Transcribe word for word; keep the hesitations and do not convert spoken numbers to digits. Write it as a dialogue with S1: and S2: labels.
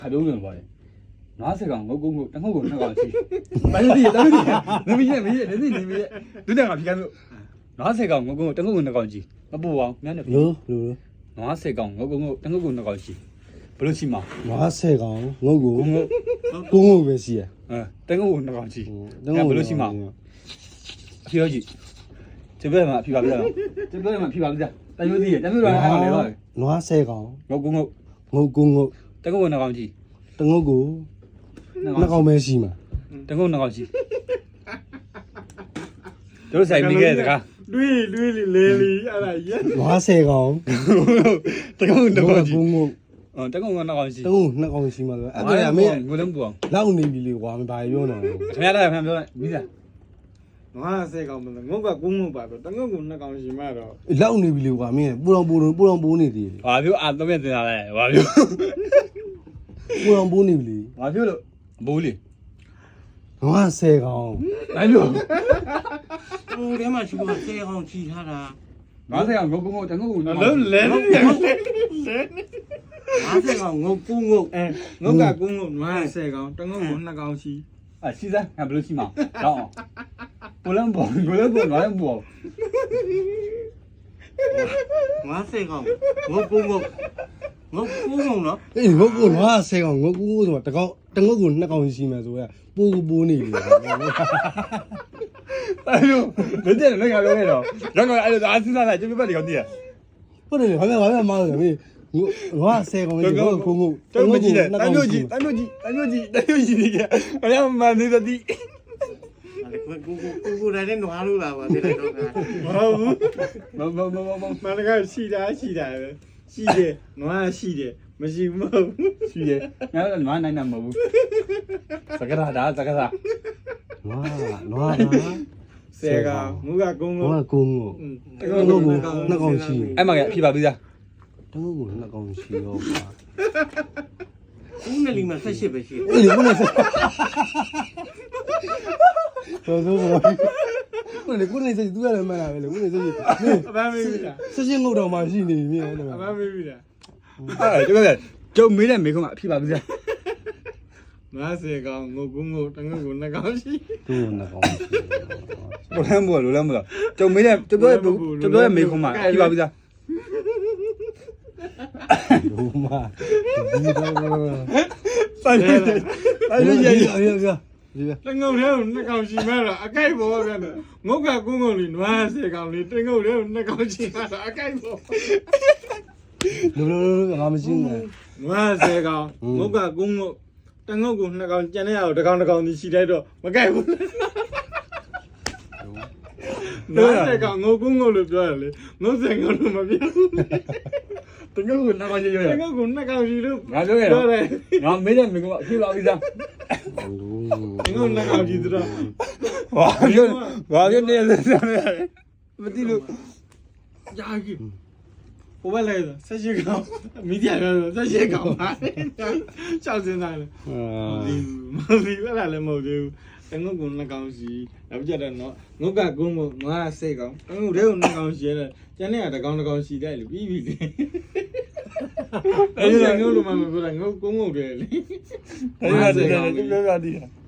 S1: ခါတုံးလုံးပါတယ်ငါးဆယ်ကောင်ငုတ်ကုန်းကိုတငုတ်ကိုနှစ်ကောင်ရှိမင်းကြီးတော်ကြီးမင်းကြီးမင်းကြီးနေနေနေပြီဒုတက်ငါဖြီကမျိုးငါးဆယ်ကောင်ငုတ်ကုန်းကိုတငုတ်ကိုနှစ်ကောင်ရှိမပူအောင်မြန်နေပြီ
S2: လို့လို့
S1: ငါးဆယ်ကောင်ငုတ်ကုန်းကိုတငုတ်ကိုနှစ်ကောင်ရှိဘလို့ရှိမှာ
S2: ငါးဆယ်ကောင်ငုတ်ကိုငုတ်ကိုငုတ်ပဲရှိရ
S1: အဲတငုတ်ကိုနှစ်ကောင်ရှိဘလို့ရှိမှာဖြီရောကြီး这边嘛，批发不了，这边嘛批发不了，咱有地，咱有人还往来了。
S2: ငါးဆယ်ကောင်
S1: 我公公，
S2: ငုတ်ကိုငုတ်
S1: 等我那钢机，
S2: တငုတ်ကိုနှစ်ကောင်ပဲရှိမှာ
S1: 等我那钢机，都是谁没给这个？
S3: 对对哩来哩，阿拉爷。
S2: ငါးဆယ်ကောင်
S1: 等我那钢机，
S2: ကိုငုတ်
S1: 嗯，等我那钢机。
S2: တငုတ်နှစ်ကောင်ရှိမှာဆိုအဲ့ဒါမင်း
S1: 我能不？
S2: လောက်နေပြီလေကွာမပါပြောတော့
S1: 什么来？什么来？没事。
S3: ငါဆဲကောင်မလို့ငုတ်ကကုန်းငုတ်ပါတော့တငုတ်ကနှစ်ကောင်ရှိမှတော့
S2: လောက်နေပြီလေကွာမင်းပူတော်ပူတော်ပူတော်ပူနေသေးတယ်
S1: ဘာပြောအာတော့ပြန်တင်လာလဲဘာပြော
S2: ပူတော်ပူနေပြီလေ
S1: ဘာပြောလို့ဘူးလေ
S2: ငါးဆယ်ကောင်
S1: ဘာပြော
S4: ဟိုထဲမှာရှိဖို့ဆဲကောင်ချီထားတာ
S1: ငါးဆယ်ကောင်ငုတ်ကုန်းကိုတငုတ်ကို
S3: လုံးလဲလဲလဲ
S4: ငါးဆယ်ကောင်ငုတ်ကူးငုတ်
S3: အဲငုတ်ကကုန်းငုတ်ငါဆဲကောင်တငုတ်ကနှစ်ကောင်ရှိ
S1: 啊，现在还不能去嘛？然后，不能播，不能播，哪能播？
S4: ငါးဆယ်ကောင်ငုတ်ကူးငုတ်ငုတ်ကူးငုတ်နော်
S2: အေးငုတ်ကိုငါးဆယ်ကောင်ငုတ်ကိုဆိုတော့တကောင်တငုတ်ကိုနှစ်ကောင်ရှိမယ်ဆိုရပူပူနေပြီ
S1: 哎呦，人家那个那个了，然后哎呦，俺身上来就没把这个地，
S2: ဟုတ်တယ်ဘာလဲဘာလဲမောင်းတယ်မင်းငါဆယ်ကောင်ကြီးကိုကိုကို
S1: 这没记得，咱没记，咱没记，咱没记，咱没记那个，好像蛮那个地。
S4: ကူကူကူကူတိုင်းနွားလို့လာပါတဲ့တော့က
S3: မဟုတ်ဘူး
S1: မမမမ
S3: မနကရှိတာရှိတာပဲရှိတယ်နွားရှိတယ်မရှိမဟုတ်ဘူး
S1: ရှိတယ်ငါလည်းနွားနိုင်တာမဟုတ်ဘူးစကားဒါစကားဒါ
S2: နွားနွား
S3: ဆဲကောင်မူကကုန်းကုန်း
S2: ငါကုန်းကိုတငုတ်ကိုနှစ်ကောင်ရှိ
S1: အဲ့မှာဖြေပါပြီသား
S2: တငုတ်ကိုနှစ်ကောင်ရှိတော့ပါ
S4: ဦးနဲ့လီမှာဆက်ရှစ်ပဲရှိတယ်
S2: အေးဘယ်နဲ့ဆက်တော်တော်ဘာကိုလေကိုလေစိတ်သူရတယ်မှန်လားပဲလေကိုလေစိတ်
S3: အပန်းမေးပြီလား
S2: ဆက်ရှင်းငုတ်တော်မှရှိနေပြီအဲ့ဒါ
S3: အပန်းမေးပြီလား
S1: အဲ့ကျုပ်ကကျုပ်မေးတဲ့မေးခွန်းကအဖြေပါပြီသား
S3: ငါဆဲကောင်ငုတ်ကုန်းငုတ်တငုတ်ကိုနှစ်ကောင်ရှိ
S2: သူ့နှစ်ကောင်ရှိ
S1: ဘယ်လမ်းဘောလိုလမ်းမလားကျုပ်မေးတဲ့ကျုပ်ပြောကျုပ်ပြောတဲ့မေးခွန်းမှာဖြေပါပြီသား
S2: ဘူမဒီတော့
S1: ဆိုင်ရဆိုင်ရရရရ
S3: တငုတ်ထဲကိုနှစ်ကောင်ရှိမှတော့အကိုက်ပေါ်ပြန်တယ်ငုတ်ကကုန်းကုန်းလေးနွားဆဲကောင်လေးတငုတ်ထဲကိုနှစ်ကောင်ရှိမှတော့အကိုက်ပေါ်
S2: လိုလိုငါမရှိဘူး
S3: နွားဆဲကောင်ငုတ်ကကုန်းကုန်းတငုတ်ကိုနှစ်ကောင်ကျန်တဲ့အောင်တစ်ကောင်တစ်ကောင်ဒီရှိလိုက်တော့မကိုက်ဘူးနွားဆဲကောင်ငုတ်ကုန်းကုန်းလို့ပြောရလေငုတ်ဆဲကောင်လို့မပြောဘူး
S1: တငုတ်ကိုနှစ်ကောင်ရှိရ
S3: တငုတ်ကိုနှစ်ကောင်ရှိလို့
S1: ငါပြောရတော့ငါမေးတဲ့မေးခွန်းကအဖြေပါပြီသား
S3: တငုတ်နှစ်ကောင်ရှိတော့
S1: ဘာပြောဘာပြောနေလဲမသိလို့
S3: ကြာကြီးဟိုဘက်လဲဆက်ရှိကောင်မီဒီယာပြောဆက်ရှိကောင်ပါချောက်စင်းသားလေအာဒီမဒီဘက်လာလည်းမဟုတ်သေးဘူးတငုတ်ကနှစ်ကောင်ရှိနောက်ကြတော့နော်ငုတ်ကကုန်းကုန်းငါစိတ်ကောင်တငုတ်ထဲကိုနှစ်ကောင်ရှိရတယ်ကျန်တဲ့ကတစ်ကောင်တစ်ကောင်ရှိတယ်လေပြီးပြီလေအဲ့ဒါငုတ်လို့မှမပြောတာငုတ်ကုန်းကုန်းတယ်လေ
S1: အဲ့ဒါတကယ်ပြောပြသည်